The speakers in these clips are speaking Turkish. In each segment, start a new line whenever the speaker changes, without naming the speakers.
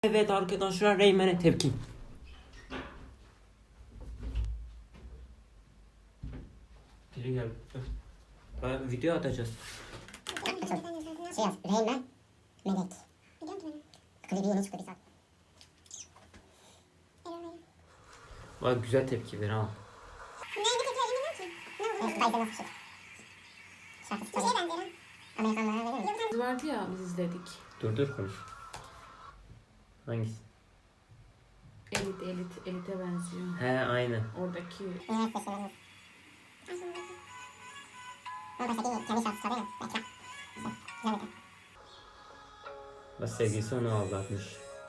Evet arkadaşlar, Reymen'e tepki. Biri gel. Ben video atacağız.
Şey yaz, Reymen, Melek. Klibi yeni çıktı bir saat.
Bak güzel tepki ver ha.
Bayda nasıl şey? Şarkı tutuyor. Amerikanlara verir mi?
Vardı ya, biz izledik.
Dur konuş. Hangisi?
Elite benziyor.
He aynı.
Oradaki
Üniversite şeyleri. O baştaki kendi şarkısı çalıyor ya. Bekle. Güzel bir.
Bak sevgilisi onu aldatmış.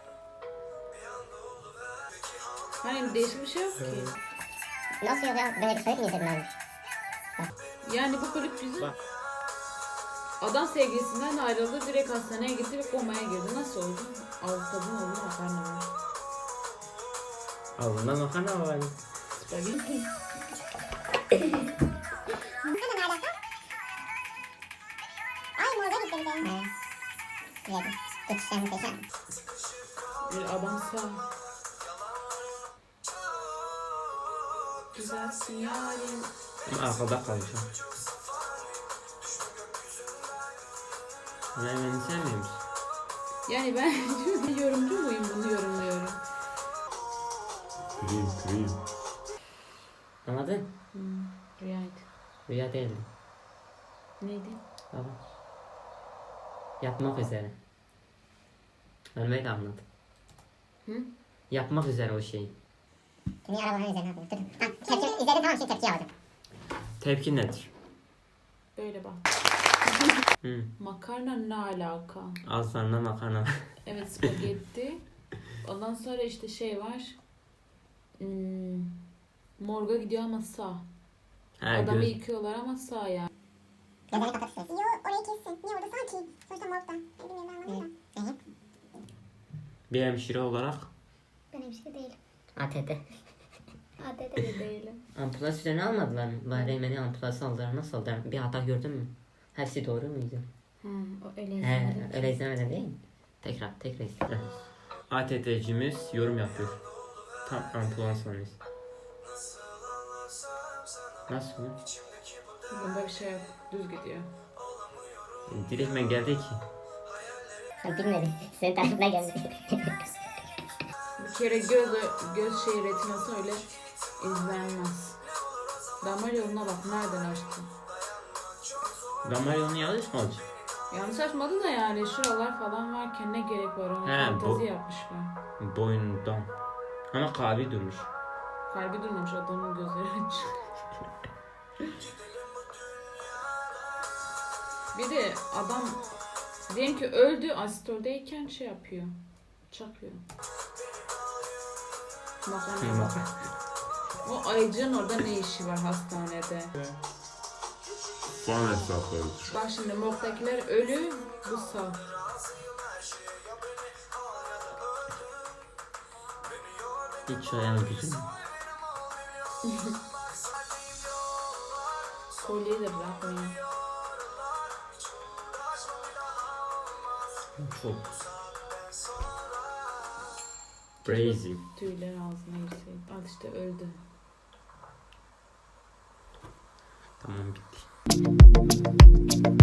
hani değişik bir şey yok ki.
Nasıl yok ya? Böyle bir klip mi izledin abi?
Yani bu klip güzel.
Bak.
Adam sevgilisinden ayrıldı, direkt hastaneye gitti ve komaya girdi. Nasıl oldu? Kadın oldu, makarna var.
Ağzından makarna var.
Spagetti.
Sana ne alaka? Ay morda gitti bir de. Evet. Yedi. Geçişler muhteşem.
Bir adam sağ. Güzelsin yarim.
Ama arkada kalacağım. Reymen'i sevmiyor musun?
Yani ben yorumcu muyum, bunu yorumluyorum.
Kırayım. Anladın?
Rüyaydı.
Rüya değildi.
Neydi?
Baba. Yapmak üzere. Ölmeyi de anlat.
Hı?
Yapmak üzere o şeyi.
Niye arabanın üzerine yapıyor? Dur. Ha, tepki izledim, tamam, şimdi tepki alacağım.
Tepki nedir?
Böyle bak.
Hı.
Makarna ne alaka?
Ağızlarında makarna.
Evet, spagetti. Ondan sonra işte şey var. Morga gidiyor ama sağ. Adamı yıkıyorlar ama sağ yani.
Gözlerini kapat istiyorsun. Yo, orayı kessin. Niye orada sağ ki? Sonuçta morgda. Bilmiyorum, ben anlamadım. Neyi?
Bir hemşire olarak
Ben hemşire değilim.
ATT.
ATT de değilim.
ambulans üzerine almadılar mı? Bari Reymen'i ambulans aldılar. Nasıl aldılar? Bir hata gördün mü? Hepsi doğru muydu?
O öyle
He,
izlemedim.
öyle izlemedin değil mi? Tekrar izle. ATT'cimiz yorum yapıyor. Tam ambulans olmuş. Nasıl mı?
Bunda bir şey yok. Düz gidiyor.
Direktmen geldi ki.
Bilmedim. Senin takipine geldi.
Bir kere göz şey retinası öyle izlenmez. Damar yoluna bak, nereden açtın?
Damar yolunu yanlış mı olacak?
Yanlış açmadı da yani şuralar falan varken ne gerek var, ona
He,
fantazi yapmışlar.
Boynundan. Ama kalbi durmuş.
Kalbi durmamış, adamın gözleri aç. Bir de adam diyelim ki öldü, asitoldeyken şey yapıyor. Çakıyor. Makarna. O ayıcığın orada ne işi var hastanede?
Son hesapları.
Bak şimdi morgdakiler ölü, bu sağ.
Hiç ayağım güzel.
Kolyeyi de bırakmayın.
Çok. Crazy.
Tüyler ağzına girseydi. Al işte öldü.
Tamam bitti.